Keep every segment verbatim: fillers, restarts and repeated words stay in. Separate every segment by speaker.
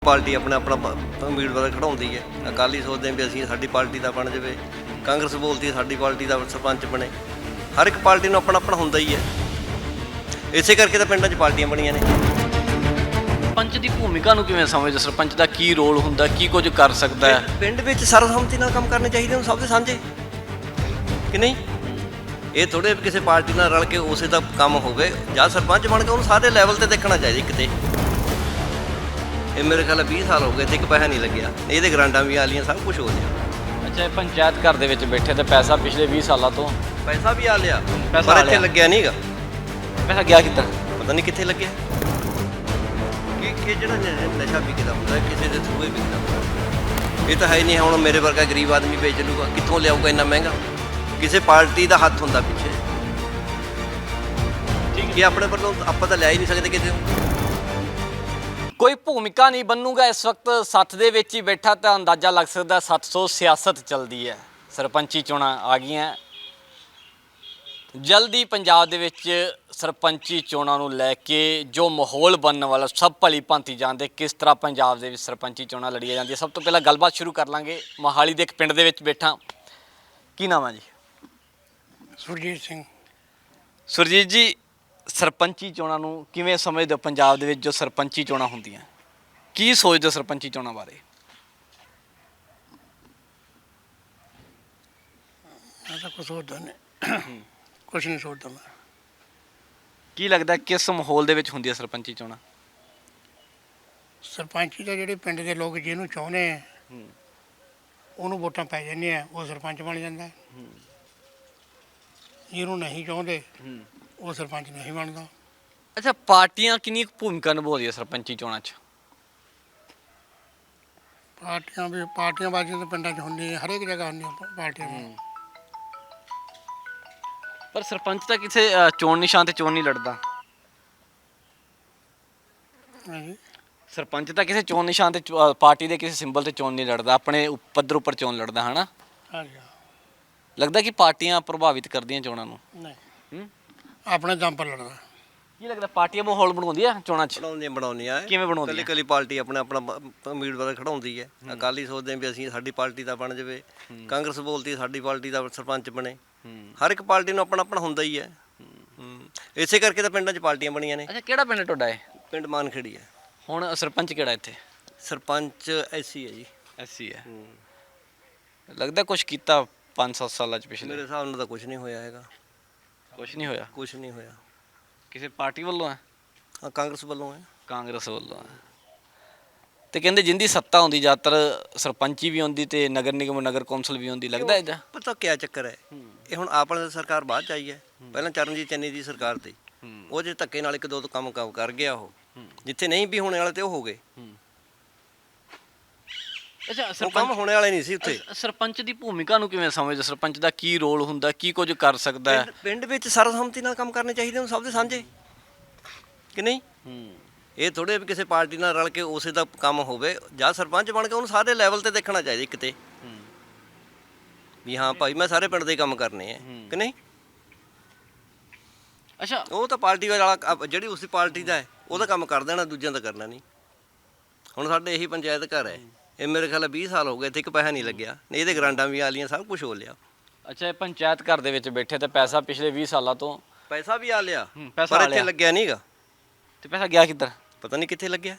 Speaker 1: Party ਆਪਣੇ ਆਪਣਾ ਪ- ਉਮੀਦਵਾਰ ਖੜਾਉਂਦੀ ਹੈ। ਅਕਾਲੀ ਸੋਚਦੇ ਆ ਵੀ ਅਸੀਂ ਸਾਡੀ ਪਾਰਟੀ ਦਾ ਬਣ ਜਾਵੇ, ਕਾਂਗਰਸ ਬੋਲਦੀ ਹੈ ਸਾਡੀ ਪਾਰਟੀ ਦਾ ਸਰਪੰਚ ਬਣੇ। ਹਰ ਇੱਕ ਪਾਰਟੀ ਨੂੰ ਆਪਣਾ ਆਪਣਾ ਹੁੰਦਾ ਹੀ ਹੈ। ਇਸੇ ਕਰਕੇ ਤਾਂ ਪਿੰਡਾਂ 'ਚ ਪਾਰਟੀਆਂ ਬਣੀਆਂ ਨੇ।
Speaker 2: ਸਰਪੰਚ ਦੀ ਭੂਮਿਕਾ ਨੂੰ ਕਿਵੇਂ ਸਮਝਦੇ? ਸਰਪੰਚ ਦਾ ਕੀ ਰੋਲ ਹੁੰਦਾ, ਕੀ ਕੁਝ ਕਰ ਸਕਦਾ ਹੈ?
Speaker 1: ਪਿੰਡ ਵਿੱਚ ਸਰਬਸੰਮਤੀ ਨਾਲ ਕੰਮ ਕਰਨੇ ਚਾਹੀਦੇ ਨੇ, ਸਭ ਦੇ ਸਾਂਝੇ ਕਿ ਨਹੀਂ। ਇਹ ਥੋੜੇ ਕਿਸੇ ਪਾਰਟੀ ਨਾਲ ਰਲ ਕੇ ਉਸੇ ਦਾ ਕੰਮ ਹੋਵੇ। ਜਾਂ ਸਰਪੰਚ ਬਣ ਕੇ ਉਹਨੂੰ ਸਾਰੇ ਲੈਵਲ ਤੇ ਦੇਖਣਾ ਚਾਹੀਦਾ ਕਿਤੇ। ਇਹ ਮੇਰੇ ਖਿਆਲ ਵੀਹ ਸਾਲ ਹੋ ਗਏ ਤੇ ਇੱਕ ਪੈਸਾ ਨਹੀਂ ਲੱਗਿਆ। ਇਹਦੇ ਗਰਾਂਟਾਂ ਵੀ ਆ ਲੀਆਂ, ਸਭ ਕੁਝ ਹੋ ਗਿਆ।
Speaker 2: ਅੱਛਾ, ਇਹ ਪੰਚਾਇਤ ਘਰ ਦੇ ਵਿੱਚ ਬੈਠੇ ਤੇ ਪੈਸਾ ਪਿਛਲੇ ਵੀਹ ਸਾਲਾਂ ਤੋਂ
Speaker 1: ਪੈਸਾ ਵੀ ਆ ਲਿਆ,
Speaker 2: ਪੈਸਾ
Speaker 1: ਪਰ
Speaker 2: ਆ
Speaker 1: ਇੱਥੇ
Speaker 2: ਲਿਆ।
Speaker 1: ਲੱਗਿਆ ਨਹੀਂਗਾ।
Speaker 2: ਪੈਸਾ ਗਿਆ ਕਿੱਧਰ?
Speaker 1: ਪਤਾ ਨਹੀਂ ਕਿੱਥੇ ਲੱਗਿਆ। ਕਿ ਕਿ ਜਿਹੜਾ ਨ- ਨਸ਼ਾ ਵਿਕਦਾ ਹੁੰਦਾ ਕਿਸੇ ਦੇ ਥਰੂ ਹੀ ਵਿਕਦਾ ਹੁੰਦਾ। ਇਹ ਤਾਂ ਹੈ ਹੀ ਨਹੀਂ। ਹੁਣ ਮੇਰੇ ਵਰਗਾ ਗਰੀਬ ਆਦਮੀ ਵੇਚ ਲੂਗਾ, ਕਿੱਥੋਂ ਲਿਆਊਗਾ ਇੰਨਾ ਮਹਿੰਗਾ? ਕਿਸੇ ਪਾਰਟੀ ਦਾ ਹੱਥ ਹੁੰਦਾ ਪਿੱਛੇ।
Speaker 2: ਠੀਕ
Speaker 1: ਕਿ ਆਪਣੇ ਵੱਲੋਂ ਆਪਾਂ ਤਾਂ ਲਿਆ ਹੀ ਨਹੀਂ ਸਕਦੇ ਕਿਸੇ ਨੂੰ।
Speaker 2: ਕੋਈ ਭੂਮਿਕਾ ਨਹੀਂ ਬਣੂਗਾ। ਇਸ ਵਕਤ ਸੱਥ ਦੇ ਵਿੱਚ ਹੀ ਬੈਠਾ ਤਾਂ ਅੰਦਾਜ਼ਾ ਲੱਗ ਸਕਦਾ ਸੱਤ ਸੌ ਸਿਆਸਤ ਚੱਲਦੀ ਹੈ। ਸਰਪੰਚੀ ਚੋਣਾਂ ਆ ਗਈਆਂ। ਜਲਦੀ ਪੰਜਾਬ ਦੇ ਵਿੱਚ ਸਰਪੰਚੀ ਚੋਣਾਂ ਨੂੰ ਲੈ ਕੇ ਜੋ ਮਾਹੌਲ ਬਣਨ ਵਾਲਾ ਸਭ ਭਲੀ ਭਾਂਤੀ ਜਾਣਦੇ ਕਿਸ ਤਰ੍ਹਾਂ ਪੰਜਾਬ ਦੇ ਵਿੱਚ ਸਰਪੰਚੀ ਚੋਣਾਂ ਲੜੀਆਂ ਜਾਂਦੀਆਂ। ਸਭ ਤੋਂ ਪਹਿਲਾਂ ਗੱਲਬਾਤ ਸ਼ੁਰੂ ਕਰ ਲਾਂਗੇ। ਮੋਹਾਲੀ ਦੇ ਇੱਕ ਪਿੰਡ ਦੇ ਵਿੱਚ ਬੈਠਾ। ਕੀ ਨਾਮ ਹੈ ਜੀ?
Speaker 3: ਸੁਰਜੀਤ ਸਿੰਘ।
Speaker 2: ਸੁਰਜੀਤ ਜੀ, ਸਰਪੰਚੀ ਚੋਣਾਂ ਨੂੰ ਕਿਵੇਂ ਸਮਝਦੇ ਹੋ? ਪੰਜਾਬ ਦੇ ਵਿੱਚ ਜੋ ਸਰਪੰਚੀ ਚੋਣਾਂ ਹੁੰਦੀਆਂ, ਕੀ ਸੋਚਦੇ ਹੋ ਸਰਪੰਚੀ ਚੋਣਾਂ ਬਾਰੇ?
Speaker 3: ਮੈਂ ਤਾਂ ਕੁਛ ਸੋਚਦਾ ਨਹੀਂ, ਕੁਛ ਨਹੀਂ ਸੋਚਦਾ ਮੈਂ।
Speaker 2: ਕੀ ਲੱਗਦਾ ਕਿਸ ਮਾਹੌਲ ਦੇ ਵਿੱਚ ਹੁੰਦੀਆਂ ਸਰਪੰਚੀ ਚੋਣਾਂ?
Speaker 3: ਸਰਪੰਚੀ ਦਾ ਜਿਹੜੇ ਪਿੰਡ ਦੇ ਲੋਕ ਜਿਹਨੂੰ ਚਾਹੁੰਦੇ ਆ ਉਹਨੂੰ ਵੋਟਾਂ ਪੈ ਜਾਂਦੀਆਂ, ਉਹ ਸਰਪੰਚ ਬਣ ਜਾਂਦਾ। ਜਿਹਨੂੰ ਨਹੀਂ ਚਾਹੁੰਦੇ ਉਹ ਸਰਪੰਚ ਨਹੀਂ ਬਣਦਾ।
Speaker 2: ਅੱਛਾ, ਪਾਰਟੀਆਂ ਕਿੰਨੀ ਕੁ ਭੂਮਿਕਾ ਨਿਭਾਉਂਦੀਆਂ ਸਰਪੰਚੀ ਚੋਣਾਂ 'ਚ?
Speaker 3: ਪਾਰਟੀਆਂ ਵੀ ਪਾਰਟੀਆਂ ਬਾਜ਼ੀਆਂ ਤਾਂ ਪਿੰਡਾਂ 'ਚ ਹੁੰਦੀਆਂ, ਹਰੇਕ ਜਗ੍ਹਾ ਹੁੰਦੀਆਂ ਪ- ਪਾਰਟੀਆਂ ਦੀਆਂ।
Speaker 2: ਪਰ ਸਰਪੰਚ ਤਾਂ ਕਿਸੇ ਅ, ਚੋਣ ਨਿਸ਼ਾਨ ਤੇ ਚੋਣ ਨਹੀਂ ਲੜਦਾ।
Speaker 3: ਹਾਂਜੀ।
Speaker 2: ਸਰਪੰਚ ਤਾਂ ਕਿਸੇ ਚੋਣ ਨਿਸ਼ਾਨ ਤੇ ਚੋ- ਅ, ਪਾਰਟੀ ਦੇ ਕਿਸੇ ਸਿੰਬਲ ਤੇ ਚੋਣ ਨਹੀਂ ਲੜਦਾ, ਆਪਣੇ ਉ- ਪੱਧਰ ਉੱਪਰ ਚੋਣ ਲੜਦਾ, ਹਨਾ?
Speaker 3: ਹਾਂਜੀ।
Speaker 2: ਲੱਗਦਾ ਕਿ ਪਾਰਟੀਆਂ ਪ੍ਰਭਾਵਿਤ ਕਰਦੀਆਂ ਚੋਣਾਂ ਨੂੰ।
Speaker 3: ਨਹੀਂ,
Speaker 2: ਹੂੰ?
Speaker 3: ਆਪਣੇ ਦਮ ਪਰ ਲੜਦਾ।
Speaker 2: ਕੀ ਲੱਗਦਾ ਪਾਰਟੀਆਂ ਮਾਹੌਲ ਬਣਾਉਂਦੀਆਂ ਚੋਣਾਂ 'ਚ?
Speaker 1: ਬਣਾਉਂਦੀਆਂ ਬਣਾਉਂਦੀਆਂ
Speaker 2: ਕਿਵੇਂ ਬਣਾਉਂਦੀਆਂ?
Speaker 1: ਕੱਲੀ ਕੱਲੀ ਪਾਰਟੀ ਆਪਣੇ ਆਪਣਾ ਪ- ਉਮੀਦਵਾਰ ਖੜਾਉਂਦੀ ਹੈ। ਅਕਾਲੀ ਸੋਚਦੇ ਆ ਵੀ ਅਸੀਂ ਸਾਡੀ ਪਾਰਟੀ ਦਾ ਬਣ ਜਾਵੇ, ਕਾਂਗਰਸ ਬੋਲਦੀ ਹੈ ਸਾਡੀ ਪਾਰਟੀ ਦਾ ਸਰਪੰਚ ਬਣੇ। ਹਰ ਇੱਕ ਪਾਰਟੀ ਨੂੰ ਆਪਣਾ ਆਪਣਾ ਹੁੰਦਾ ਹੀ ਹੈ। ਹੂੰ। ਇਸੇ ਕਰਕੇ ਤਾਂ ਪਿੰਡਾਂ 'ਚ ਪਾਰਟੀਆਂ ਬਣੀਆਂ ਨੇ।
Speaker 2: ਅੱਛਾ, ਕਿਹੜਾ ਪਿੰਡ ਤੁਹਾਡਾ ਹੈ?
Speaker 1: ਪਿੰਡ ਮਾਨਖੇੜੀ ਹੈ।
Speaker 2: ਹੁਣ ਸਰਪੰਚ ਕਿਹੜਾ ਇੱਥੇ?
Speaker 1: ਸਰਪੰਚ ਐਸੀ ਹੈ ਜੀ।
Speaker 2: ਐਸੀ ਹੈ। ਲੱਗਦਾ ਕੁਝ ਕੀਤਾ ਪੰਜ ਸੱਤ ਸਾਲਾਂ 'ਚ
Speaker 1: ਮੇਰੇ
Speaker 2: ਪਿਛਲੇ?
Speaker 1: ਹਿਸਾਬ ਨਾਲ ਤਾਂ ਕੁਝ ਨਹੀਂ ਹੋਇਆ ਹੈਗਾ।
Speaker 2: ਕੁਝ ਨਹੀਂ ਹੋਇਆ।
Speaker 1: ਕੁਝ ਨਹੀਂ ਹੋਇਆ।
Speaker 2: ਕਿਸੇ ਪਾਰਟੀ ਵੱਲੋਂ ਹੈ?
Speaker 1: ਹਾਂ, ਕਾਂਗਰਸ ਵੱਲੋਂ ਹੈ।
Speaker 2: ਕਾਂਗਰਸ ਵੱਲੋਂ ਹੈ। ਤੇ ਕਹਿੰਦੇ ਜਿੰਦੀ ਸੱਤਾ ਹੁੰਦੀ ਜ਼ਿਆਦਾਤਰ ਸਰਪੰਚੀ ਵੀ ਹੁੰਦੀ ਤੇ ਨਗਰ ਨਿਗਮ ਨਗਰ ਕੌਂਸਲ ਵੀ ਹੁੰਦੀ। ਲੱਗਦਾ ਇਹਦਾ?
Speaker 1: ਪਤਾ ਕਿਆ ਚੱਕਰ ਹੈ, ਇਹ ਹੁਣ ਆਪ ਵਾਲੀ ਸਰਕਾਰ ਬਾਅਦ ਚ ਆਈ ਹੈ। ਪਹਿਲਾਂ ਚਰਨਜੀਤ ਚੰਨੀ ਦੀ ਸਰਕਾਰ ਤੇ ਉਹ ਜੇ ਧੱਕੇ ਨਾਲ ਇੱਕ ਦੋ ਕੰਮ ਕੰਮ ਕਰ ਗਿਆ। ਉਹ ਜਿੱਥੇ ਨਹੀਂ ਵੀ ਹੋਣੇ ਵਾਲੇ ਤੇ ਉਹ ਹੋ ਗਏ।
Speaker 2: ਅੱਛਾ,
Speaker 1: ਉਹ ਕੰਮ ਹੋਣੇ ਵਾਲੇ ਨਹੀਂ ਸੀ ਉੱਥੇ।
Speaker 2: ਸਰਪੰਚ ਦੀ ਭੂਮਿਕਾ ਨੂੰ ਕਿਵੇਂ ਸਮਝਦੇ? ਸਰਪੰਚ ਦਾ ਕੀ ਰੋਲ ਹੁੰਦਾ, ਕੀ ਕੁਝ ਕਰ ਸਕਦਾ ਹੈ?
Speaker 1: ਪਿੰਡ- ਪਿੰਡ ਵਿੱਚ ਸਰਬਸੰਮਤੀ ਨਾਲ ਕੰਮ ਕਰਨੇ ਚਾਹੀਦੇ ਨੇ, ਸਭ ਦੇ ਸਾਂਝੇ ਕਿ ਨਹੀਂ। ਇਹ ਥੋੜੇ ਵੀ ਕਿਸੇ ਪਾਰਟੀ ਨਾਲ ਰਲ ਕੇ ਉਸੇ ਦਾ ਕੰਮ ਹੋਵੇ। ਜਾਂ ਸਰਪੰਚ ਬਣ ਕੇ ਉਹਨੂੰ ਸਾਰੇ ਲੈਵਲ ਤੇ ਦੇਖਣਾ ਚਾਹੀਦਾ ਕਿਤੇ ਵੀ ਹਾਂ ਭਾਈ ਮੈਂ ਸਾਰੇ ਪਿੰਡ ਦੇ ਕੰਮ ਕਰਨੇ ਆ ਕਿ ਨਹੀਂ।
Speaker 2: ਅੱਛਾ,
Speaker 1: ਉਹ ਤਾਂ ਪਾਰਟੀ ਵਾਲਾ ਅਪ- ਜਿਹੜੀ ਉਸੇ ਪਾਰਟੀ ਦਾ ਹੈ ਉਹਦਾ ਕੰਮ ਕਰ ਦੇਣਾ, ਦੂਜਿਆਂ ਦਾ ਕਰਨਾ ਨਹੀਂ। ਹੁਣ ਸਾਡੇ ਇਹੀ ਪੰਚਾਇਤ ਘਰ ਹੈ। ਇਹ ਮੇਰੇ ਖਿਆਲ ਵੀਹ ਸਾਲ ਹੋ ਗਏ ਤੇ ਇੱਕ ਪੈਸਾ ਨਹੀਂ ਲੱਗਿਆ। ਇਹਦੇ ਗਰਾਂਟਾਂ ਵੀ ਆ ਲੀਆਂ, ਸਭ ਕੁਝ ਹੋ ਲਿਆ।
Speaker 2: ਅੱਛਾ, ਇਹ ਪੰਚਾਇਤ ਘਰ ਦੇ ਵਿੱਚ ਬੈਠੇ ਤੇ ਪੈਸਾ ਪਿਛਲੇ ਵੀਹ ਸਾਲਾਂ ਤੋਂ
Speaker 1: ਪੈਸਾ ਵੀ ਆ ਲਿਆ,
Speaker 2: ਪੈਸਾ
Speaker 1: ਪਰ
Speaker 2: ਆ
Speaker 1: ਇੱਥੇ
Speaker 2: ਲਿਆ।
Speaker 1: ਲੱਗਿਆ ਨਹੀਂਗਾ।
Speaker 2: ਤੇ ਪੈਸਾ ਗਿਆ ਕਿੱਧਰ?
Speaker 1: ਪਤਾ ਨਹੀਂ ਕਿੱਥੇ ਲੱਗਿਆ।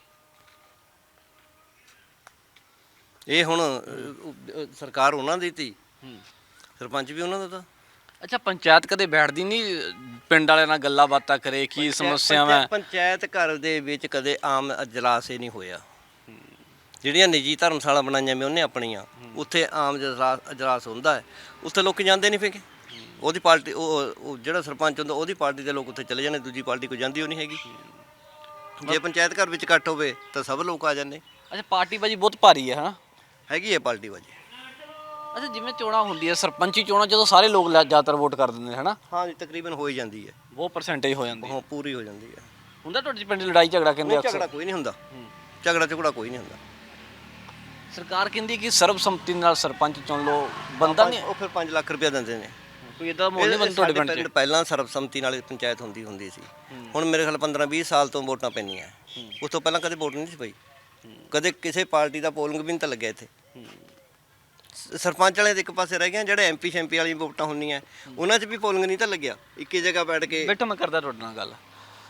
Speaker 1: ਇਹ ਹੁਣ ਅ, ਅ, ਸਰਕਾਰ ਉਹਨਾਂ ਦੀ ਤੀ, ਸਰਪੰਚ ਵੀ ਉਹਨਾਂ ਦਾ ਤਾਂ।
Speaker 2: ਅੱਛਾ, ਪੰਚਾਇਤ ਕਦੇ ਬੈਠਦੀ ਨਹੀਂ ਪਿੰਡ ਵਾਲਿਆਂ ਨਾਲ ਗੱਲਾਂ ਬਾਤਾਂ ਕਰੇ ਕੀ ਸਮੱਸਿਆਵਾਂ ਹੈ?
Speaker 1: ਪੰਚਾਇਤ ਘਰ ਦੇ ਵਿੱਚ ਕਦੇ ਆਮ ਅਜਲਾਸ ਹੀ ਨਹੀਂ ਹੋਇਆ। ਜਿਹੜੀਆਂ ਨਿੱਜੀ ਧਰਮਸ਼ਾਲਾ ਬਣਾਈਆਂ ਮੈਂ ਉਹਨੇ ਆਪਣੀਆਂ, ਉੱਥੇ ਆਮ ਅਜਲਾਸ ਅਜਲਾਸ ਹੁੰਦਾ ਹੈ। ਉੱਥੇ ਲੋਕ ਜਾਂਦੇ ਨਹੀਂ ਫਿਕੇ। ਉਹਦੀ ਪਾਰਟੀ ਉਹ ਉਹ ਜਿਹੜਾ ਸਰਪੰਚ ਹੁੰਦਾ ਉਹਦੀ ਪਾਰਟੀ ਦੇ ਲੋਕ ਉੱਥੇ ਚਲੇ ਜਾਂਦੇ, ਦੂਜੀ ਪਾਰਟੀ ਕੋਈ ਜਾਂਦੀ ਉਹ ਨਹੀਂ ਹੈਗੀ। ਜੇ ਪੰਚਾਇਤ ਘਰ ਵਿੱਚ ਇਕੱਠ ਹੋਵੇ ਤਾਂ ਸਭ ਲੋਕ ਆ ਜਾਂਦੇ।
Speaker 2: ਅੱਛਾ, ਪਾਰਟੀ ਬਾਜੀ ਬਹੁਤ ਭਾਰੀ ਹੈ, ਹਾਂ?
Speaker 1: ਹੈਗੀ ਹੈ ਪਾਰਟੀ ਬਾਜੀ।
Speaker 2: ਅੱਛਾ, ਜਿਵੇਂ ਚੋਣਾਂ ਹੁੰਦੀਆਂ ਸਰਪੰਚੀ ਚੋਣਾਂ ਜਦੋਂ ਸਾਰੇ ਲੋਕ ਲੈ- ਜ਼ਿਆਦਾਤਰ ਵੋਟ ਕਰ ਦਿੰਦੇ ਨੇ, ਹਨਾ?
Speaker 1: ਹਾਂ ਜੀ, ਤਕਰੀਬਨ ਹੋ ਹੀ ਜਾਂਦੀ ਹੈ।
Speaker 2: ਬਹੁਤ ਪਰਸੈਂਟੇਜ ਹੋ ਜਾਂਦੀ ਹੈ।
Speaker 1: ਹਾਂ, ਪੂਰੀ ਹੋ ਜਾਂਦੀ ਹੈ।
Speaker 2: ਹੁੰਦਾ ਤੁਹਾਡੇ ਪਿੰਡ ਲੜਾਈ ਝਗੜਾ? ਕਹਿੰਦੇ
Speaker 1: ਨਹੀਂ, ਝਗੜਾ
Speaker 2: ਅਕਸਰ
Speaker 1: ਕੋਈ ਨਹੀਂ ਹੁੰਦਾ। ਝਗੜਾ ਝਗੜਾ ਕੋਈ ਨਹੀਂ ਹੁੰਦਾ।
Speaker 2: ਸਰਕਾਰ ਕਹਿੰਦੀ ਕਿ ਸਰਬਸੰਮਤੀ ਨਾਲ ਸਰਪੰਚ ਚੁਣ ਲਓ, ਬੰਦਾ ਨਹੀਂ
Speaker 1: ਉਹ ਫਿਰ ਪੰਜ ਲੱਖ ਰੁਪਇਆ ਦਿੰਦੇ ਨੇ।
Speaker 2: ਕੋਈ ਇਦਾਂ ਮਾਹੌਲ ਨਹੀਂ ਬਣਦਾ ਤੁਹਾਡੇ ਪਿੰਡ 'ਚ?
Speaker 1: ਪਹਿਲਾਂ ਸਰਬਸੰਮਤੀ ਨਾਲ ਪੰਚਾਇਤ ਹੁੰਦੀ ਹੁੰਦੀ ਸੀ। ਹੁਣ ਮੇਰੇ ਖਿਆਲ ਪੰਦਰਾਂ ਵੀਹ ਸਾਲ ਤੋਂ ਵੋਟਾਂ ਪੈਂਦੀਆਂ। ਉਸ ਤੋਂ ਪਹਿਲਾਂ ਕਦੇ ਵੋਟ ਨਹੀਂ ਸੀ ਪਈ। ਕਦੇ ਕਿਸੇ ਪਾਰਟੀ ਦਾ ਪੋਲਿੰਗ ਵੀ ਨਹੀਂ ਤਾਂ ਲੱਗਿਆ ਇੱਥੇ। ਸ- ਸਰਪੰਚ ਵਾਲੇ ਦੇ ਇੱਕ ਪਾਸੇ ਰਹਿ ਗਏ, ਜਿਹੜੇ ਐਮਪੀ ਸ਼ੈਂਪੀ ਵਾਲੀ ਵੋਟਾਂ ਹੁੰਦੀਆਂ ਉਹਨਾਂ 'ਚ ਵੀ ਪੋਲਿੰਗ ਨਹੀਂ ਤਾਂ ਲੱਗਿਆ। ਇੱਕੀ ਜਗ੍ਹਾ ਬੈਠ ਕੇ
Speaker 2: ਬੇਟਾ ਮੈਂ ਕਰਦਾ ਤੁਹਾਡੇ ਨਾਲ ਗੱਲ,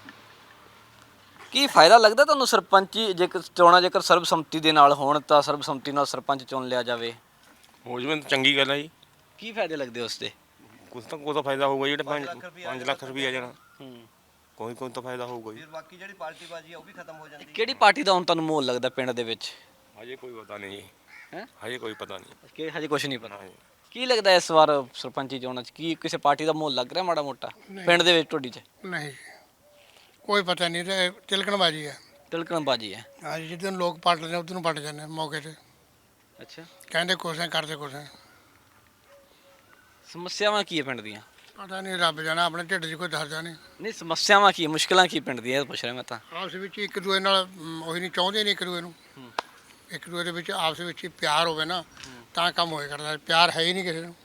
Speaker 2: ਕੀ ਫਾਇਦਾ ਲੱਗਦਾ ਤੁਹਾਨੂੰ ਸਰਪੰਚੀ ਜੇਕਰ ਚੋਣਾਂ ਜੇਕਰ ਸਰਬਸੰਮਤੀ ਦੇ ਨਾਲ ਹੋਣ ਤਾਂ ਸਰਬਸੰਮਤੀ ਨਾਲ ਸਰਪੰਚ ਚੁਣ ਲਿਆ ਜਾਵੇ,
Speaker 4: ਹੋ ਜਵੇ ਤਾਂ ਚੰਗੀ ਗੱਲ ਹੈ ਜੀ।
Speaker 2: ਕੀ ਫਾਇਦੇ ਲੱਗਦੇ ਉਸ ਦੇ?
Speaker 4: ਕੁਝ ਤਾਂ ਕੋਈ ਤਾਂ ਫਾਇਦਾ ਹੋਊਗਾ ਜਿਹੜੇ ਪੰਜ ਪੰਜ ਲੱਖ ਰੁਪਏ ਆ ਜਾਣਾ,
Speaker 2: ਹੂੰ,
Speaker 4: ਕੋਈ ਕੋਈ ਤਾਂ ਫਾਇਦਾ ਹੋਊਗਾ ਜੀ।
Speaker 1: ਫਿਰ ਬਾਕੀ ਜਿਹੜੀ ਪਾਰਟੀ ਬਾਜੀ ਆ ਉਹ ਵੀ ਖਤਮ ਹੋ ਜਾਂਦੀ।
Speaker 2: ਕਿਹੜੀ ਪਾਰਟੀ ਦਾ ਹੁਣ ਤੁਹਾਨੂੰ ਮਾਹੌਲ ਲੱਗਦਾ ਪਿੰਡ ਦੇ ਵਿੱਚ?
Speaker 4: ਹਜੇ ਕੋਈ ਪਤਾ ਨਹੀਂ ਜੀ,
Speaker 2: ਹੈਂ?
Speaker 4: ਹਜੇ ਕੋਈ ਪਤਾ ਨਹੀਂ।
Speaker 2: ਕਿ ਹਜੇ ਕੁਝ ਨਹੀਂ ਪਤਾ।
Speaker 4: ਹਾਂ ਜੀ।
Speaker 2: ਕੀ ਲੱਗਦਾ ਇਸ ਵਾਰ ਸਰਪੰਚੀ ਚੋਣਾਂ 'ਚ ਕੀ ਕਿਸੇ ਪਾਰਟੀ ਦਾ ਮਾਹੌਲ ਲੱਗ ਰਿਹਾ ਮਾੜਾ ਮੋਟਾ ਪਿੰਡ ਦੇ ਵਿੱਚ ਤੁਹਾਡੀ 'ਚ?
Speaker 3: ਨਹੀਂ ਕੋਈ ਪਤਾ ਨਹੀਂ, ਤੇ ਤਿਲਕਣਬਾਜੀ ਹੈ।
Speaker 2: ਤਿਲਕਣਬਾਜੀ ਹੈ।
Speaker 3: ਅੱਜ ਜਿੱਦਨ ਲੋਕ ਪਲਟਦੇ ਨੇ ਉਦੋਂ ਨੂੰ ਪਲਟ ਜਾਂਦੇ ਮੌਕੇ ਤੇ,
Speaker 2: ਅੱਛਾ,
Speaker 3: ਕਹਿੰਦੇ ਕੁਛ ਹੈ ਕਰਦੇ ਕੁਛ ਹੈ।
Speaker 2: ਸਮੱਸਿਆਵਾਂ ਕੀ ਹੈ ਪਿੰਡ ਦੀਆਂ?
Speaker 3: ਪਤਾ ਨਹੀਂ, ਰੱਬ ਜਾਣਾ, ਆਪਣੇ ਢਿੱਡ 'ਚ ਕੋਈ ਦੱਸਦਾ ਨਹੀਂ।
Speaker 2: ਨਹੀਂ ਸਮੱਸਿਆਵਾਂ ਕੀ ਹੈ, ਮੁਸ਼ਕਲਾਂ ਕੀ ਪਿੰਡ ਦੀਆਂ ਇਹ ਪੁੱਛ ਰਿਹਾ ਮੈਂ ਤਾਂ।
Speaker 3: ਆਪਸ ਵਿੱਚ ਇੱਕ ਦੂਏ ਨਾਲ ਮ, ਉਹੀ ਨਹੀਂ ਚਾਹੁੰਦੇ ਨਹੀਂ ਇੱਕ ਦੂਏ ਨੂੰ। ਇੱਕ ਦੂਏ ਦੇ ਵਿੱਚ ਆਪਸ ਵਿੱਚ ਹੀ ਪਿਆਰ ਹੋਵੇ ਨਾ ਤਾਂ ਕੰਮ ਹੋਏ ਕਰਦਾ, ਪਿਆਰ ਹੈ ਹੀ ਨਹੀਂ ਕਿਸੇ ਨੂੰ।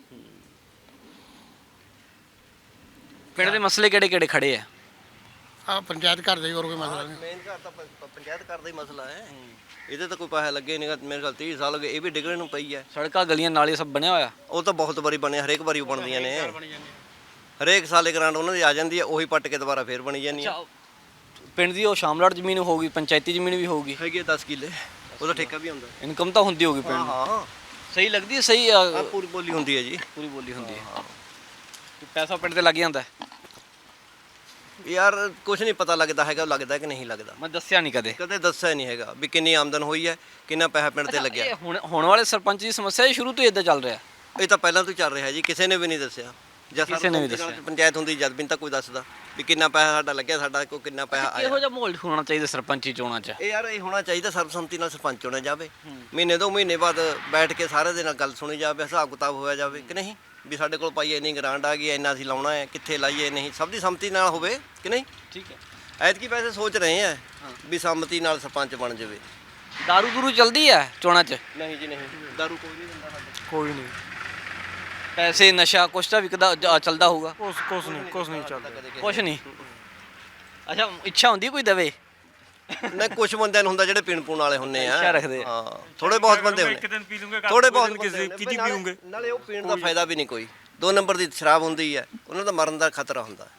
Speaker 2: ਪਿੰਡ ਦੇ ਮਸਲੇ ਕਿਹੜੇ ਕਿਹੜੇ ਖੜੇ ਆ?
Speaker 3: ਆ ਪੰਚਾਇਤ ਘਰ ਦਾ ਹੀ, ਹੋਰ ਕੋਈ ਮਸਲਾ ਨਹੀਂ।
Speaker 1: ਮੇਨ ਘਰ ਤਾਂ ਪ- ਪ- ਪੰਚਾਇਤ ਘਰ ਦਾ ਹੀ ਮਸਲਾ ਹੈ। ਇਹਦੇ ਤਾਂ ਕੋਈ ਪੈਸਾ ਲੱਗੇ ਨਹੀਂਗਾ, ਮੇਰੇ ਖਿਆਲ ਤੀਹ ਸਾਲ ਹੋ ਗਏ, ਇਹ ਵੀ ਡਿੱਗਣ ਨੂੰ ਪਈ ਹੈ।
Speaker 2: ਸੜਕਾਂ ਗਲੀਆਂ ਨਾਲੇ ਸਭ ਬਣਿਆ ਹੋਇਆ?
Speaker 1: ਉਹ ਤਾਂ ਬਹੁਤ ਵਾਰੀ ਬਣੇ, ਹਰੇਕ ਵਾਰੀ ਉਹ ਬਣਦੀਆਂ ਨੇ। ਹਰੇਕ ਸਾਲੇ ਗ੍ਰਾਂਟ ਉਹਨਾਂ ਦੀ ਆ ਜਾਂਦੀ ਹੈ, ਉਹੀ ਪੱਟ ਕੇ ਦੁਬਾਰਾ ਫੇਰ ਬਣੀ ਜਾਂਦੀ ਹੈ।
Speaker 2: ਪਿੰਡ ਦੀ ਉਹ ਸ਼ਾਮਲਾਟ ਜ਼ਮੀਨ ਹੋਊਗੀ, ਪੰਚਾਇਤੀ ਜ਼ਮੀਨ ਵੀ ਹੋਊਗੀ,
Speaker 1: ਹੈਗੀ ਦਸ ਕਿੱਲੇ, ਉਹਦਾ ਠੇਕਾ ਵੀ ਹੁੰਦਾ।
Speaker 2: ਇਨਕਮ ਤਾਂ ਹੁੰਦੀ ਹੋਊਗੀ ਪਿੰਡ
Speaker 1: ਹਾਂ
Speaker 2: ਦੀ।
Speaker 1: ਹਾਂ
Speaker 2: ਸਹੀ ਲੱਗਦੀ ਹੈ? ਸਹੀ
Speaker 1: ਆਹ
Speaker 2: ਅ,
Speaker 1: ਪੂਰੀ ਬੋਲੀ ਹੁੰਦੀ ਹੈ ਜੀ।
Speaker 2: ਪੂਰੀ ਬੋਲੀ ਹੁੰਦੀ ਹੈ। ਪੈਸਾ ਪਿੰਡ ਤੇ ਲੱਗ ਜਾਂਦਾ ਹੈ?
Speaker 1: ਯਾਰ ਕੁਝ ਨਹੀਂ ਪਤਾ ਲੱਗਦਾ ਹੈਗਾ, ਲੱਗਦਾ ਕਿ ਨਹੀਂ ਲੱਗਦਾ।
Speaker 2: ਮੈਂ ਦੱਸਿਆ ਨਹੀਂ ਕਦੇ।
Speaker 1: ਕਦੇ ਦੱਸਿਆ ਨਹੀਂ ਹੈਗਾ ਵੀ ਕਿੰਨੀ ਆਮਦਨ ਹੋਈ ਹੈ, ਕਿੰਨਾ ਪੈਸਾ ਪਿੰਡ ਤੇ ਲੱਗਿਆ।
Speaker 2: ਇਹ ਹੁਣ ਹੁਣ ਵਾਲੇ ਸਰਪੰਚ ਦੀ ਸਮੱਸਿਆ ਇਹ ਸ਼ੁਰੂ ਤੋਂ ਇਦਾਂ ਚੱਲ ਰਿਹਾ?
Speaker 1: ਇਹ ਤਾਂ ਪਹਿਲਾਂ ਤੋਂ ਚੱਲ ਰਿਹਾ ਜੀ, ਕਿਸੇ ਨੇ ਵੀ ਨਹੀਂ ਦੱਸਿਆ। ਜਾਂ
Speaker 2: ਕਿਸੇ ਨੇ ਵੀ
Speaker 1: ਸਰਪੰਚ ਨਾਲ
Speaker 2: ਦੱਸਿਆ।
Speaker 1: ਪੰਚਾਇਤ ਹੁੰਦੀ ਜਦ ਵੀ ਨਹੀਂ ਤਾਂ ਕੋਈ ਦੱਸਦਾ ਵੀ ਕਿੰਨਾ ਪੈਸਾ ਸਾਡਾ ਲੱਗਿਆ, ਸਾਡਾ ਕੋਈ ਕਿੰਨਾ ਪੈਸਾ ਆਇਆ।
Speaker 2: ਇਹੋ ਜਿਹਾ ਮਾਹੌਲ ਹੋਣਾ ਚਾਹੀਦਾ ਸਰਪੰਚੀ ਚੋਣਾਂ 'ਚ।
Speaker 1: ਇਹ ਯਾਰ ਇਹ ਹੋਣਾ ਚਾਹੀਦਾ, ਸਰਬਸੰਮਤੀ ਨਾਲ ਸਰਪੰਚ ਚੁਣਿਆ ਜਾਵੇ। ਮਹੀਨੇ ਦੋ ਮਹੀਨੇ ਬਾਅਦ ਬੈਠ ਕੇ ਸਾਰੇ ਦੇ ਨਾਲ ਗੱਲ ਸੁਣੀ ਜਾਵੇ, ਹਿਸਾਬ ਕਿਤਾਬ ਹੋਇਆ ਜਾਵੇ ਕਿ ਨਹੀਂ, ਵੀ ਸਾਡੇ ਕੋਲ ਪਾਈ ਇੰਨੀ ਗ੍ਰਾਂਟ ਆ ਗਈ, ਇੰਨਾ ਅਸੀਂ ਲਾਉਣਾ ਹੈ, ਕਿੱਥੇ ਲਾਈਏ, ਨਹੀਂ ਸਭ ਦੀ ਸੰਮਤੀ ਨਾਲ ਹੋਵੇ ਕਿ ਨਹੀਂ।
Speaker 2: ਠੀਕ ਹੈ।
Speaker 1: ਐਤਕੀ ਵੈਸੇ ਸੋਚ ਰਹੇ ਆ ਵੀ ਸੰਮਤੀ ਨਾਲ ਸਰਪੰਚ ਬਣ ਜਾਵੇ।
Speaker 2: ਦਾਰੂ ਦੂਰੂ ਚਲਦੀ ਹੈ ਚੋਣਾਂ 'ਚ?
Speaker 1: ਨਹੀਂ ਜੀ ਨਹੀਂ, ਦਾਰੂ ਕੋਈ ਨਹੀਂ ਦਿੰਦਾ ਸਾਡੇ।
Speaker 5: ਕੋਈ ਨਹੀਂ,
Speaker 2: ਪੈਸੇ ਨਸ਼ਾ ਕੁਛ ਤਾਂ ਵਿਕਦਾ ਜ- ਚੱਲਦਾ ਹੋਊਗਾ?
Speaker 5: ਕੁਛ ਕੁਛ ਨਹੀਂ, ਕੁਛ ਨਹੀਂ ਚੱਲਦਾ।
Speaker 2: ਕੁਛ ਨਹੀਂ। ਅੱਛਾ, ਇੱਛਾ ਹੁੰਦੀ ਕੋਈ ਦਵੇ?
Speaker 1: ਨਹੀਂ ਕੁਝ ਬੰਦਿਆਂ ਨੂੰ ਹੁੰਦਾ ਜਿਹੜੇ ਪੀਣ ਪੂਣ ਵਾਲੇ ਹੁੰਦੇ ਆ।
Speaker 2: ਇੱਛਾ ਰੱਖਦੇ ਆ।
Speaker 1: ਹਾਂ ਥੋੜੇ ਬਹੁਤ ਬੰਦੇ
Speaker 5: ਇੱਕ
Speaker 1: ਹੁੰਦੇ,
Speaker 5: ਦਿਨ ਪੀ ਲੂੰਗੇ, ਕੱਲ੍ਹ
Speaker 1: ਥੋੜੇ
Speaker 5: ਦੂਜੇ
Speaker 1: ਬਹੁਤ
Speaker 5: ਦਿਨ
Speaker 1: ਬੰਦੇ
Speaker 5: ਕਿਸੇ
Speaker 1: ਹੁੰਦੇ,
Speaker 5: ਕਿਤੇ
Speaker 1: ਨਾਲੇ-
Speaker 5: ਪੀਉਂਗੇ।
Speaker 1: ਨਾਲੇ ਉਹ ਪੀਣ ਦਾ ਫਾਇਦਾ ਵੀ ਨਹੀਂ ਕੋਈ। ਦੋ ਨੰਬਰ ਦੀ ਸ਼ਰਾਬ ਹੁੰਦੀ ਹੈ, ਉਹਨਾਂ ਦਾ ਮਰਨ ਦਾ ਖਤਰਾ ਹੁੰਦਾ।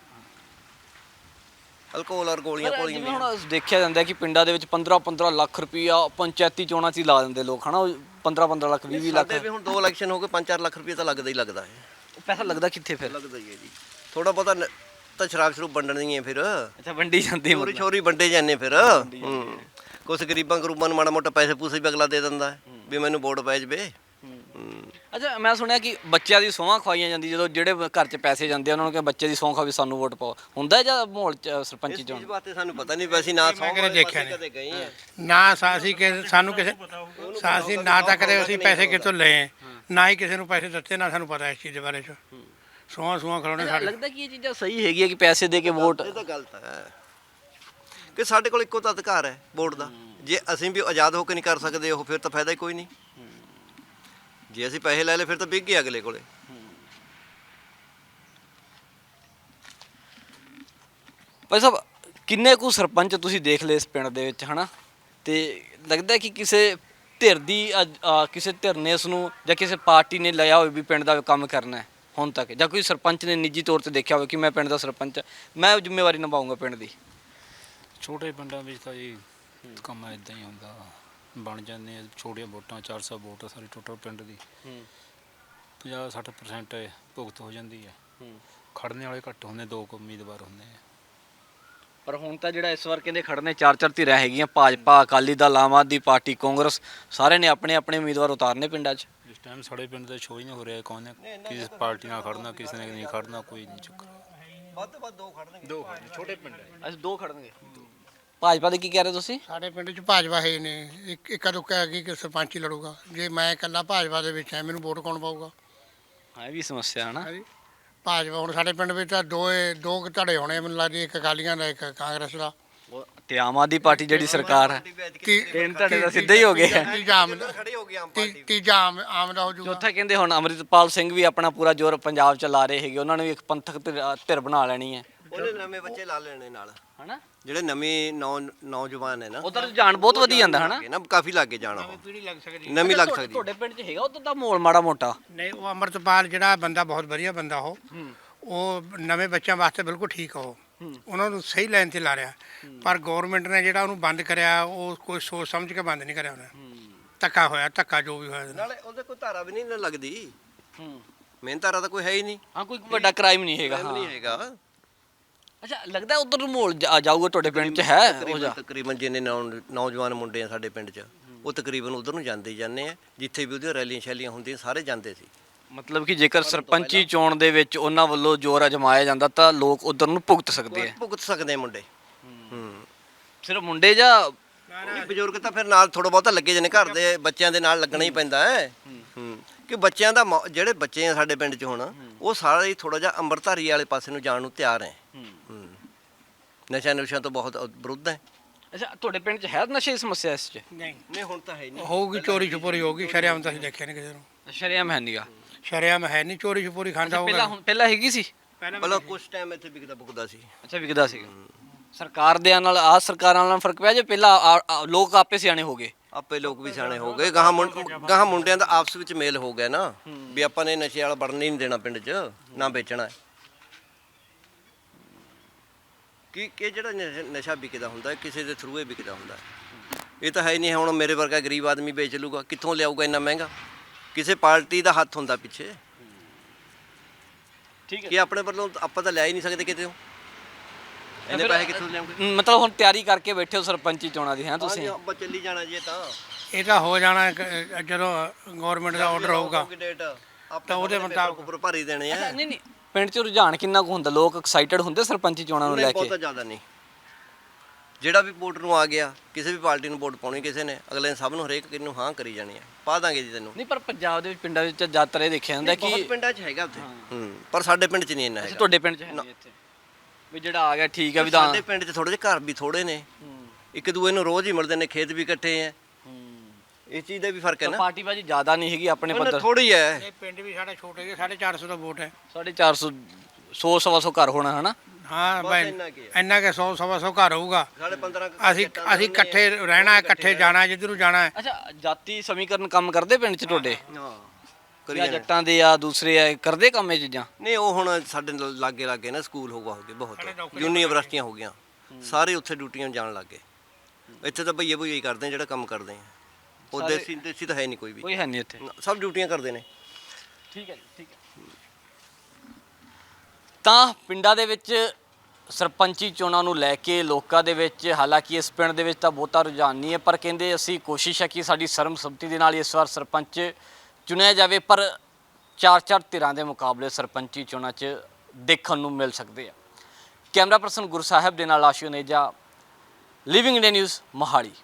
Speaker 1: ਅਲਕੋਹਲ ਔਰ ਗੋਲੀਆਂ
Speaker 2: ਪਰ
Speaker 1: ਪੋਲੀਆਂ
Speaker 2: ਜਿਵੇਂ ਹੁਣ ਦੇਖਿਆ ਜਾਂਦਾ ਕਿ ਪਿੰਡਾਂ ਦੇ ਵਿੱਚ ਪੰਦਰਾਂ ਪੰਦਰਾਂ ਲੱਖ ਰੁਪਈਆ ਪੰਚਾਇਤੀ ਚੋਣਾਂ 'ਚ ਹੀ ਲਾ ਦਿੰਦੇ ਲੋਕ, ਹਨਾ? ਪੰਦਰਾਂ ਪੰਦਰਾਂ ਲੱਖ ਵੀਹ ਵੀਹ ਲੱਖ।
Speaker 1: ਸਾਡੇ ਵੀ ਹੁਣ ਦੋ ਇਲੈਕਸ਼ਨ ਹੋ ਗਏ, ਪੰਜ ਚਾਰ ਲੱਖ ਰੁਪਏ ਤਾਂ ਲੱਗਦਾ ਹੀ ਲੱਗਦਾ ਹੈ।
Speaker 2: ਪੈਸਾ ਲੱਗਦਾ ਕਿੱਥੇ ਫਿਰ?
Speaker 1: ਲੱਗਦਾ ਹੀ ਹੈ ਜੀ, ਥੋੜਾ ਬਹੁਤਾ ਨ- ਤਾਂ ਸ਼ਰਾਬ ਸ਼ਰੂਬ ਵੰਡਣੀ ਹੈ ਫਿਰ,
Speaker 2: ਅੱਛਾ, ਵੰਡੀ ਜਾਂਦੀ
Speaker 1: ਚੋਰੀ ਛੋਰੀ ਵੰਡੇ ਜਾਂਦੇ ਫਿਰ। ਹੂੰ ਕੁਛ ਗਰੀਬਾਂ ਗਰੂਬਾਂ ਨੂੰ ਮਾੜਾ ਮੋਟਾ ਪੈਸੇ ਪੂਸੇ ਵੀ ਅਗਲਾ ਦੇ ਦਿੰਦਾ ਹੈ ਵੀ ਮੈਨੂੰ ਵੋਟ ਪੈ ਜਵੇ।
Speaker 2: ਅੱਛਾ, ਮੈਂ ਸੁਣਿਆ ਕਿ ਬੱਚਿਆਂ ਦੀ ਸਹੁੰ ਖਵਾਈਆਂ ਜਾਂਦੀ, ਜਦੋਂ ਜਿਹੜੇ ਘਰ 'ਚ ਪੈਸੇ ਜਾਂਦੇ ਆ ਉਹਨਾਂ ਨੂੰ ਕਿ ਬੱਚੇ ਦੀ ਸਹੁੰ ਖਾ ਵੀ ਸਾਨੂੰ ਵੋਟ ਪਾਓ, ਹੁੰਦਾ ਜਾਂ ਮਾਹੌਲ 'ਚ ਸਰਪੰਚੀ
Speaker 1: ਇਸ
Speaker 2: ਚੋਣ?
Speaker 1: ਚੀਜ਼ ਬਾਰੇ ਸਾਨੂੰ ਪਤਾ ਨਹੀਂ, ਵੈਸੇ ਨਾ ਸੌ
Speaker 3: ਕਦੇ ਦੇਖਿਆ ਨਹੀਂ।
Speaker 1: ਕਦੇ ਗਏ ਆ।
Speaker 3: ਨਾ ਸਾ- ਅਸੀਂ ਕਿਸੇ ਸਾਨੂੰ ਕਿਸੇ ਸਾ- ਅਸੀਂ ਨਾ ਤਾਂ ਕਦੇ ਅਸੀਂ ਪੈਸੇ ਕਿਤੋਂ ਲਏ, ਨਾ ਹੀ ਕਿਸੇ ਨੂੰ ਪੈਸੇ ਦਿੱਤੇ, ਨਾ ਸਾਨੂੰ ਪਤਾ ਇਸ ਚੀਜ਼ ਦੇ ਬਾਰੇ 'ਚ। ਸੋਹਾਂ ਸੋਹਾਂ ਖੜਾਉਣੇ ਸਾਡੇ।
Speaker 2: ਲੱਗਦਾ ਕਿ ਇਹ ਚੀਜ਼ਾਂ ਸਹੀ ਹੈਗੀਆਂ ਕਿ ਪੈਸੇ ਦੇ ਕੇ ਵੋਟ?
Speaker 1: ਇਹ ਤਾਂ ਗਲਤ ਹੈ ਕਿ ਸਾਡੇ ਕੋਲ ਇੱਕੋ ਤਾਂ ਅਧਿਕਾਰ ਹੈ ਵੋਟ ਦਾ। ਜੇ ਅਸੀਂ ਵੀ ਆਜ਼ਾਦ ਹੋ ਕੇ ਨਹੀਂ ਕਰ ਸਕਦੇ ਉਹ, ਫਿਰ ਤਾਂ ਫਾਇਦਾ ਹੀ ਕੋਈ ਨਹੀਂ। ਜੇ ਅਸੀਂ ਪੈਸੇ ਲੈ ਲਏ ਫਿਰ ਤਾਂ ਵਿਕ ਗਏ ਅਗਲੇ ਕੋਲੇ।
Speaker 2: ਭਾਈ ਸਾਹਿਬ, ਕਿੰਨੇ ਕੁ ਸਰਪੰਚ ਤੁਸੀਂ ਦੇਖ ਲਏ ਇਸ ਪਿੰਡ ਦੇ ਵਿੱਚ, ਹਨਾ? ਤੇ ਲੱਗਦਾ ਕਿ ਕਿਸੇ ਧਿਰ ਦੀ ਅੱਜ- ਆ, ਕਿਸੇ ਧਿਰ ਨੇ ਇਸ ਨੂੰ ਜਾਂ ਕਿਸੇ ਪਾਰਟੀ ਨੇ ਲਿਆ ਹੋਵੇ ਵੀ ਪਿੰਡ ਦਾ ਕੰਮ ਕਰਨਾ ਹੈ ਹੁਣ ਤੱਕ, ਜਾਂ ਕੋਈ ਸਰਪੰਚ ਨੇ ਨਿੱਜੀ ਤੌਰ ਤੇ ਦੇਖਿਆ ਹੋਵੇ ਕਿ ਮੈਂ ਪਿੰਡ ਦਾ ਸਰਪੰਚ, ਮੈਂ ਜ਼ਿੰਮੇਵਾਰੀ ਨਿਭਾਊਂਗਾ ਪਿੰਡ ਦੀ?
Speaker 6: ਛੋਟੇ ਪਿੰਡਾਂ ਵਿੱਚ ਤਾਂ ਜੀ ਕੰਮ ਇਦਾਂ ਹੀ ਹੁੰਦਾ, ਬਣ ਜਾਂਦੇ ਆ ਛੋਟੀਆਂ ਵੋਟਾਂ, ਚਾਰ ਸੌ ਵੋਟ ਆ ਸਾਰੀ ਟੋਟਲ ਪਿੰਡ ਦੀ, ਪੰਜਾਹ ਸੱਠ ਪਰਸੈਂਟ ਭੁਗਤ ਹੋ ਜਾਂਦੀ ਹੈ। ਖੜਨੇ ਵਾਲੇ ਘੱਟ ਹੁੰਦੇ, ਦੋ ਕੁ ਉਮੀਦਵਾਰ ਹੁੰਦੇ ਆ।
Speaker 2: ਪਰ ਹੁਣ ਤਾਂ ਜਿਹੜਾ ਇਸ ਵਾਰ ਕਹਿੰਦੇ ਖੜਨੇ ਚਾਰ ਚਾਰ ਧਿਰਾਂ ਹੈਗੀਆਂ, ਭਾਜਪਾ, ਅਕਾਲੀ ਦਲ, ਆਮ ਆਦਮੀ ਪਾਰਟੀ, ਕਾਂਗਰਸ, ਸਾਰਿਆਂ ਨੇ ਆਪਣੇ ਆਪਣੇ ਉਮੀਦਵਾਰ ਉਤਾਰਨੇ ਪਿੰਡਾਂ 'ਚ।
Speaker 6: ਇਸ ਟਾਈਮ ਸਾਡੇ ਪਿੰਡ ਦਾ ਸ਼ੋਅ ਹੀ ਨਹੀਂ ਹੋ ਰਿਹਾ, ਕੌਣ ਨੇ ਕਿਸ ਪਾਰਟੀ ਨਾਲ ਖੜਨਾ, ਕਿਸੇ ਨੇ ਨਹੀਂ ਖੜਨਾ, ਕੋਈ ਨਹੀਂ ਚੱਕਰ।
Speaker 1: ਵੱਧ ਤੋਂ ਵੱਧ ਦੋ ਖੜਨਗੇ।
Speaker 6: ਦੋ ਛੋਟੇ ਪਿੰਡ ਹੈ।
Speaker 2: ਅਸੀਂ ਦੋ ਖੜਨਗੇ। ਭਾਜਪਾ ਦੇ ਕੀ ਕਹਿ ਰਹੇ ਤੁਸੀਂ?
Speaker 3: ਸਾਡੇ ਪਿੰਡ 'ਚ ਭਾਜਪਾ ਹੈ ਨੇ, ਇੱਕ ਇੱਕਾ ਦੁੱਕਾ ਹੈਗੀ ਕਿ ਸਰਪੰਚ ਹੀ ਲੜੂਗਾ। ਜੇ ਮੈਂ ਇਕੱਲਾ ਭਾਜਪਾ ਦੇ ਵਿੱਚ ਹੈ, ਮੈਨੂੰ ਵੋਟ ਕੌਣ ਪਾਊਗਾ?
Speaker 2: ਹਾਂ, ਇਹ ਵੀ ਸਮੱਸਿਆ ਹੈ ਨਾ।
Speaker 3: ਹਾਂਜੀ, ਭਾਜਪਾ ਹੁਣ ਸਾਡੇ ਪਿੰਡ ਵਿੱਚ ਤਾਂ ਦੋ ਦੋ ਕੁ ਧੜੇ ਹੋਣੇ ਮੈਨੂੰ ਲੱਗਦੀ, ਇੱਕ ਅਕਾਲੀਆਂ ਦਾ, ਇੱਕ ਕਾਂਗਰਸ ਦਾ।
Speaker 2: ਤੇ ਆਮ ਆਦਮੀ ਪਾਰਟੀ ਜਿਹੜੀ ਸਰਕਾਰ ਹੈ,
Speaker 3: ਤੀ-
Speaker 2: ਤਿੰਨ ਧੜੇ ਤਾਂ ਸਿੱਧੇ ਹੀ ਹੋ ਗਏ ਆ।
Speaker 3: ਤੀਜਾ ਆਮ
Speaker 1: ਖੜੇ ਹੋ ਗਏ ਆਮ
Speaker 3: ਤੀ-
Speaker 1: ਪਾਰਟੀ।
Speaker 3: ਤੀਜਾ ਆਮ ਆਮ ਦਾ ਹੋ ਜਾਊਗਾ।
Speaker 2: ਚੌਥਾ ਕਹਿੰਦੇ ਹੁਣ ਅੰਮ੍ਰਿਤਪਾਲ ਸਿੰਘ ਵੀ ਆਪਣਾ ਪੂਰਾ ਜ਼ੋਰ ਪੰਜਾਬ 'ਚ ਲਾ ਰਹੇ ਹੈਗੇ, ਉਹਨਾਂ ਨੇ ਵੀ ਇੱਕ ਪੰਥਕ ਧਿਰ ਧਿਰ ਬਣਾ ਲੈਣੀ ਹੈ,
Speaker 1: ਉਹਨੇ ਨਵੇਂ ਬੱਚੇ ਲਾ ਲੈਣੇ ਨਾਲ,
Speaker 2: ਹਨਾ?
Speaker 1: ਜਿਹੜੇ ਨਵੇਂ ਨੌ ਨੌਜਵਾਨ ਹੈ ਨਾ
Speaker 2: ਉਧਰ ਰੁਝਾਨ ਬਹੁਤ ਵਧੀ ਜਾਂਦਾ ਹਨਾ।
Speaker 1: ਨਾ ਕਾਫੀ ਲੱਗੇ ਜਾਣਾ ਉਹ
Speaker 3: ਪੀੜੀ ਲੱਗ ਸਕਦੀ
Speaker 1: ਨਵੀਂ ਲੱਗ
Speaker 2: ਤੁਹਾਡੇ-
Speaker 1: ਸਕਦੀ
Speaker 2: ਤੁਹਾਡੇ ਪਿੰਡ 'ਚ ਹੈਗਾ ਉਧਰ ਦਾ ਮਾਹੌਲ ਮਾੜਾ ਮੋਟਾ?
Speaker 3: ਨਹੀਂ ਉਹ ਅੰਮ੍ਰਿਤਪਾਲ ਜਿਹੜਾ ਬੰਦਾ ਬਹੁਤ ਵਧੀਆ ਬੰਦਾ ਉਹ ਉਹ ਨਵੇਂ ਬੱਚਿਆਂ ਵਾਸਤੇ ਬਿਲਕੁਲ ਠੀਕ ਆ ਉਹ ਉਹਨਾਂ ਨੂੰ ਸਹੀ ਲਾਈਨ ਤੇ ਲਾ ਰਿਹਾ ਪਰ ਗਵਰਨਮੈਂਟ ਨੇ ਜਿਹੜਾ ਉਹਨੂੰ ਬੰਦ ਕਰਿਆ ਉਹ ਕੋਈ ਸੋਚ ਸਮਝ ਕੇ ਬੰਦ ਨਹੀਂ ਕਰਿਆ ਉਹਨੇ ਧੱਕਾ ਹੋਇਆ ਧੱਕਾ ਜੋ ਵੀ ਹੋਇਆ ਇਹਦੇ ਨਾਲ।
Speaker 1: ਨਾਲੇ ਉਹਦੇ ਕੋਈ ਧਾਰਾ ਵੀ ਨਹੀਂ ਨਾ ਲੱਗਦੀ
Speaker 2: ਹੂੰ
Speaker 1: ਮੇਨ ਧਾਰਾ ਤਾਂ ਕੋਈ ਹੈ ਹੀ ਨਹੀਂ
Speaker 2: ਹਾਂ ਕੋਈ ਵੱਡਾ ਕ੍ਰਾਈਮ ਨਹੀਂ ਹੈਗਾ।
Speaker 1: ਨਹੀਂ
Speaker 2: ਹਾਂ
Speaker 1: ਹੈਗਾ
Speaker 2: ਅੱਛਾ ਲੱਗਦਾ ਉਧਰ ਨੂੰ ਮਾਹੌਲ ਜਾ- ਜਾਊਗਾ ਤੁਹਾਡੇ ਪਿੰਡ 'ਚ ਹੈ ਉਹ
Speaker 1: ਤਕਰੀਬਨ
Speaker 2: ਜਾ
Speaker 1: ਤਕਰੀਬਨ ਜਿੰਨੇ ਨੌ- ਨੌਜਵਾਨ ਮੁੰਡੇ ਆ ਸਾਡੇ ਪਿੰਡ 'ਚ ਉਹ ਤਕਰੀਬਨ ਉਧਰ ਨੂੰ ਜਾਂਦੇ ਹੀ ਜਾਂਦੇ ਆ ਜਿੱਥੇ ਵੀ ਉਹਦੀਆਂ ਰੈਲੀਆਂ ਸ਼ੈਲੀਆਂ ਹੁੰਦੀਆਂ ਸਾਰੇ ਜਾਂਦੇ ਸੀ।
Speaker 2: ਮਤਲਬ ਕਿ ਜੇਕਰ ਸਰਪੰਚੀ ਚੋਣ ਦੇ ਵਿੱਚ ਉਹਨਾਂ ਵੱਲੋਂ ਜ਼ੋਰ ਅਜਮਾਇਆ ਜਾਂਦਾ ਤਾਂ ਲੋਕ ਉਧਰ ਨੂੰ ਭੁਗਤ ਸਕਦੇ ਆ।
Speaker 1: ਭੁਗਤ ਸਕਦੇ ਆ ਮੁੰਡੇ ਹੂੰ
Speaker 2: ਸਿਰਫ ਮੁੰਡੇ ਜਾਂ
Speaker 1: ਨਹੀਂ, ਬਜ਼ੁਰਗ ਤਾਂ ਫਿਰ ਨਾਲ ਥੋੜਾ ਬਹੁਤਾ ਲੱਗੇ ਜਾਂਦੇ ਘਰ ਦੇ ਬੱਚਿਆਂ ਦੇ ਨਾਲ ਲੱਗਣਾ ਹੀ ਪੈਂਦਾ ਹੈ ਹੂੰ ਕਿ ਬੱਚਿਆਂ ਦਾ ਮੌ- ਜਿਹੜੇ ਬੱਚੇ ਆ ਸਾਡੇ ਪਿੰਡ 'ਚ ਹੁਣ ਉਹ ਸਾਰੇ ਹੀ ਥੋੜਾ ਜਿਹਾ ਅੰਮ੍ਰਿਤਧਾਰੀ ਵਾਲੇ ਪਾਸੇ ਨੂੰ ਜਾਣ ਨੂੰ ਤਿਆਰ ਹੈ ਹੂੰ ਨਸ਼ਾ ਨੁਸ਼ਿਆਂ ਤੋਂ ਬਹੁਤ ਵਿਰੁੱਧ ਹੈ।
Speaker 2: ਅੱਛਾ ਤੁਹਾਡੇ ਪਿੰਡ 'ਚ ਹੈ ਨਸ਼ੇ ਦੀ ਸਮੱਸਿਆ ਇਸ 'ਚ?
Speaker 3: ਨਹੀਂ
Speaker 1: ਨਹੀਂ ਹੁਣ ਤਾਂ ਹੈ ਨਹੀਂ
Speaker 3: ਹੋਊਗੀ ਚੋਰੀ ਛੁਪੋਰੀ ਹੋਊਗੀ ਸ਼ਰੇਆਮ ਤਾਂ ਅਸੀਂ ਦੇਖਿਆ ਨਹੀਂ ਕਿਸੇ ਨੂੰ
Speaker 2: ਸ਼ਰੇਆਮ ਹੈ ਨੀਗਾ।
Speaker 3: ਸ਼ਰੇਆਮ ਹੈ ਨਹੀਂ ਚੋਰੀ ਛੁਪੋਰੀ ਖਾਂਦਾ
Speaker 2: ਪਹਿਲਾਂ
Speaker 3: ਹੋਊਗਾ
Speaker 2: ਹੁਣ ਪਹਿਲਾਂ ਹੈਗੀ ਸੀ?
Speaker 1: ਮਤਲਬ ਕੁਝ ਟਾਈਮ ਇੱਥੇ ਵਿਕਦਾ ਬੁਕਦਾ ਸੀ
Speaker 2: ਅੱਛਾ ਵਿਕਦਾ ਸੀਗਾ। ਸਰਕਾਰ ਦੇ ਨਾਲ ਆ ਸਰਕਾਰਾਂ ਨਾਲ ਫਰਕ ਪਿਆ ਜੇ ਪਹਿਲਾਂ ਆ- ਆ- ਲੋਕ ਆਪੇ ਸਿਆਣੇ ਹੋ ਗਏ?
Speaker 1: ਆਪੇ ਲੋਕ ਵੀ ਸਿਆਣੇ ਹੋ ਗਏ ਗਾਹਾਂ ਮੁੰ- ਗਾਹਾਂ ਮੁੰਡਿਆਂ ਦਾ ਆਪਸ ਵਿੱਚ ਮੇਲ ਹੋ ਗਿਆ ਨਾ ਵੀ ਆਪਾਂ ਨੇ ਨਸ਼ੇ ਵਾਲਾ ਵੜਨ ਹੀ ਨਹੀਂ ਦੇਣਾ ਪਿੰਡ 'ਚ ਨਾ ਵੇਚਣਾ ਹੈ। ਕਿ ਕਿ ਜਿਹੜਾ ਨਸ਼ਾ- ਨਸ਼ਾ ਵਿਕਦਾ ਹੁੰਦਾ ਹੈ, ਕਿਸੇ ਦੇ ਥਰੂ ਹੀ ਵਿਕਦਾ ਹੁੰਦਾ ਹੈ। ਇਹ ਤਾਂ ਹੈ ਹੀ ਨਹੀਂ ਹੁਣ ਮੇਰੇ ਵਰਗਾ ਗਰੀਬ ਆਦਮੀ ਵੇਚ ਲੂਗਾ ਕਿੱਥੋਂ ਲਿਆਊਗਾ ਇੰਨਾ ਮਹਿੰਗਾ ਕਿਸੇ ਪਾਰਟੀ ਦਾ ਹੱਥ ਹੁੰਦਾ ਪਿੱਛੇ
Speaker 2: ਠੀਕ
Speaker 1: ਕਿ ਆਪਣੇ ਵੱਲੋਂ ਆਪਾਂ ਤਾਂ ਲਿਆ ਹੀ ਨਹੀਂ ਸਕਦੇ ਕਿਤੇ ਇੰਨੇ ਪੈਸੇ ਕਿੱਥੋਂ ਲਿਆਉਂਗੇ।
Speaker 2: ਮਤਲਬ ਹੁਣ ਤਿਆਰੀ ਕਰਕੇ ਬੈਠੇ ਹੋ ਸਰਪੰਚੀ ਚੋਣਾਂ ਦੀ ਹੈ ਤੁਸੀਂ?
Speaker 1: ਹਾਂਜੀ, ਆਪਾਂ ਚੱਲੀ ਜਾਣਾ ਜੀ ਇਹ ਤਾਂ
Speaker 3: ਇਹ ਤਾਂ ਹੋ ਜਾਣਾ ਕ- ਜਦੋਂ ਗਵਰਨਮੈਂਟ ਦਾ ਆਰਡਰ ਹੋਊਗਾ
Speaker 1: ਡੇਟ
Speaker 3: ਤਾਂ ਉਹਦੇ ਮੁਤਾਬਕ
Speaker 1: ਉੱਪਰ ਭਰੀ ਦੇਣੇ ਆ
Speaker 2: ਨਹੀਂ ਨਹੀਂ ਪਿੰਡ 'ਚ ਰੁਝਾਨ ਕਿੰਨਾ ਕੁ ਹੁੰਦਾ? ਲੋਕ ਐਕਸਾਈਟਡ ਹੁੰਦੇ ਸਰਪੰਚੀ ਚੋਣਾਂ ਨੂੰ ਲੈ
Speaker 1: ਨਹੀਂ
Speaker 2: ਕੇ?
Speaker 1: ਬਹੁਤਾ ਜ਼ਿਆਦਾ ਨਹੀਂ ਜਿਹੜਾ ਵੀ ਵੋਟ ਨੂੰ ਆ ਗਿਆ ਕਿਸੇ ਵੀ ਪਾਰਟੀ ਨੂੰ ਵੋਟ ਪਾਉਣੀ ਕਿਸੇ ਨੇ ਅਗਲੇ ਨੇ ਸਭ ਨੂੰ ਹਰੇਕ ਕਿਨੂੰ ਹਾਂ ਕਰੀ ਜਾਣੀ ਆ ਪਾ ਦਾਂਗੇ ਜੀ ਤੈਨੂੰ
Speaker 2: ਨਹੀਂ ਪਰ ਪੰਜਾਬ ਦੇ ਵਿੱਚ ਪਿੰਡਾਂ ਵਿੱਚ ਜ਼ਿਆਦਾਤਰ ਇਹ ਦੇਖਿਆ ਜਾਂਦਾ ਕਿ
Speaker 1: ਬਹੁਤ ਪਿੰਡਾਂ 'ਚ ਹੈਗਾ ਉੱਥੇ ਹੂੰ ਪਰ ਸਾਡੇ ਪਿੰਡ 'ਚ ਨਹੀਂ ਇੰਨਾ
Speaker 2: ਅੱਛਾ
Speaker 1: ਹੈਗਾ
Speaker 2: ਤੁਹਾਡੇ ਪਿੰਡ 'ਚ ਹੈ ਨਹੀਂ ਇੱਥੇ ਵੀ ਜਿਹੜਾ ਆ ਗਿਆ ਠੀਕ ਹੈ ਵਿਧਾਨ?
Speaker 1: ਸਾਡੇ ਪਿੰਡ 'ਚ ਥੋੜੇ ਜਿਹੇ ਘਰ ਵੀ ਥੋੜੇ ਨੇ ਇੱਕ ਦੂਏ ਨੂੰ ਰੋਜ਼ ਹੀ ਮਿਲਦੇ ਨੇ ਖੇਤ ਵੀ ਇਕੱਠੇ ਆ ਇਸ ਚੀਜ਼ ਦਾ ਵੀ ਫਰਕ ਹੈ ਨਾ
Speaker 2: ਪਾਰਟੀ ਬਾਜੀ ਜ਼ਿਆਦਾ ਨਹੀਂ ਹੈਗੀ ਆਪਣੇ ਪੱਧਰ?
Speaker 1: ਥੋੜੀ ਹੈ
Speaker 3: ਇਹ ਪਿੰਡ ਵੀ ਸਾਡਾ ਛੋਟੇ ਜਿਹੇ ਸਾਢੇ ਚਾਰ ਸੌ ਦਾ ਵੋਟ ਹੈ
Speaker 2: ਸਾਢੇ ਚਾਰ ਸੌ ਸੌ ਸਵਾ ਸੌ ਘਰ ਹੋਣਾ ਹਨਾ?
Speaker 3: ਹਾਂ
Speaker 1: ਬਸ
Speaker 3: ਬਾਈ
Speaker 1: ਇੰਨਾ ਕੀ ਹੈ।
Speaker 3: ਇੰਨਾ ਕਿ ਸੌ ਸਵਾ ਸੌ ਘਰ ਹੋਊਗਾ
Speaker 1: ਸਾਡੇ ਪੰਦਰਾਂ
Speaker 3: ਅਸੀਂ ਅਸੀਂ ਇਕੱਠੇ ਰਹਿਣਾ ਹੈ, ਇਕੱਠੇ ਜਾਣਾ ਹੈ, ਜਿੱਧਰ ਨੂੰ ਜਾਣਾ ਹੈ।
Speaker 2: ਅੱਛਾ ਜਾਤੀ ਸਮੀਕਰਨ ਕੰਮ ਕਰਦੇ ਪਿੰਡ 'ਚ ਤੁਹਾਡੇ?
Speaker 1: ਹਾਂ ਕਰੀ
Speaker 2: ਜਾਂ
Speaker 1: ਜਾਣੇ।
Speaker 2: ਜੱਟਾਂ ਦੇ ਆ ਦੂਸਰੇ ਆ ਕਰਦੇ ਕੰਮ ਇਹ ਚੀਜ਼ਾਂ?
Speaker 1: ਨਹੀਂ ਉਹ ਹੁਣ ਸਾਡੇ ਨਾਲ ਲਾਗੇ ਲਾਗੇ ਨਾ ਸਕੂਲ ਹੋ ਗਏ ਬਹੁਤ ਯੂਨੀਵਰਸਿਟੀਆਂ ਹੋ ਗਈਆਂ ਸਾਰੇ ਉੱਥੇ ਡਿਊਟੀਆਂ ਜਾਣ ਲੱਗੇ ਇੱਥੇ ਤਾਂ ਭਈਏ ਭਈਏ ਹੀ ਕਰਦੇ ਆ ਜਿਹੜਾ ਕੰਮ ਕਰਦੇ ਆ ਉਹ
Speaker 2: ਸਾਰੇ-
Speaker 1: ਦੇਸੀ ਦੇਸੀ ਤਾਂ ਹੈ ਨਹੀਂ ਕੋਈ ਵੀ
Speaker 2: ਕੋਈ ਹੈ ਨਹੀਂ ਇੱਥੇ।
Speaker 1: ਨਾ, ਸਭ ਡਿਊਟੀਆਂ ਕਰਦੇ ਨੇ
Speaker 2: ਠੀਕ ਹੈ ਜੀ ਠੀਕ ਹੈ। ਤਾਂ ਪਿੰਡਾਂ ਦੇ ਵਿੱਚ ਸਰਪੰਚੀ ਚੋਣਾਂ ਨੂੰ ਲੈ ਕੇ ਲੋਕਾਂ ਦੇ ਵਿੱਚ ਹਾਲਾਂਕਿ ਇਸ ਪਿੰਡ ਦੇ ਵਿੱਚ ਤਾਂ ਬਹੁਤਾ ਰੁਝਾਨ ਨਹੀਂ ਹੈ ਪਰ ਕਹਿੰਦੇ ਅਸੀਂ ਕੋਸ਼ਿਸ਼ ਹੈ ਕਿ ਸਾਡੀ ਸਰਬਸੰਮਤੀ ਦੇ ਨਾਲ ਇਸ ਵਾਰ ਸਰਪੰਚ ਚੁਣਿਆ ਜਾਵੇ ਪਰ ਚਾਰ ਚਾਰ ਧਿਰਾਂ ਦੇ ਮੁਕਾਬਲੇ ਸਰਪੰਚੀ ਚੋਣਾਂ 'ਚ ਦੇਖਣ ਨੂੰ ਮਿਲ ਸਕਦੇ ਆ। ਕੈਮਰਾ ਪਰਸਨ ਗੁਰਸਾਹਿਬ ਦੇ ਨਾਲ Ashu Neja, living India news Mohali.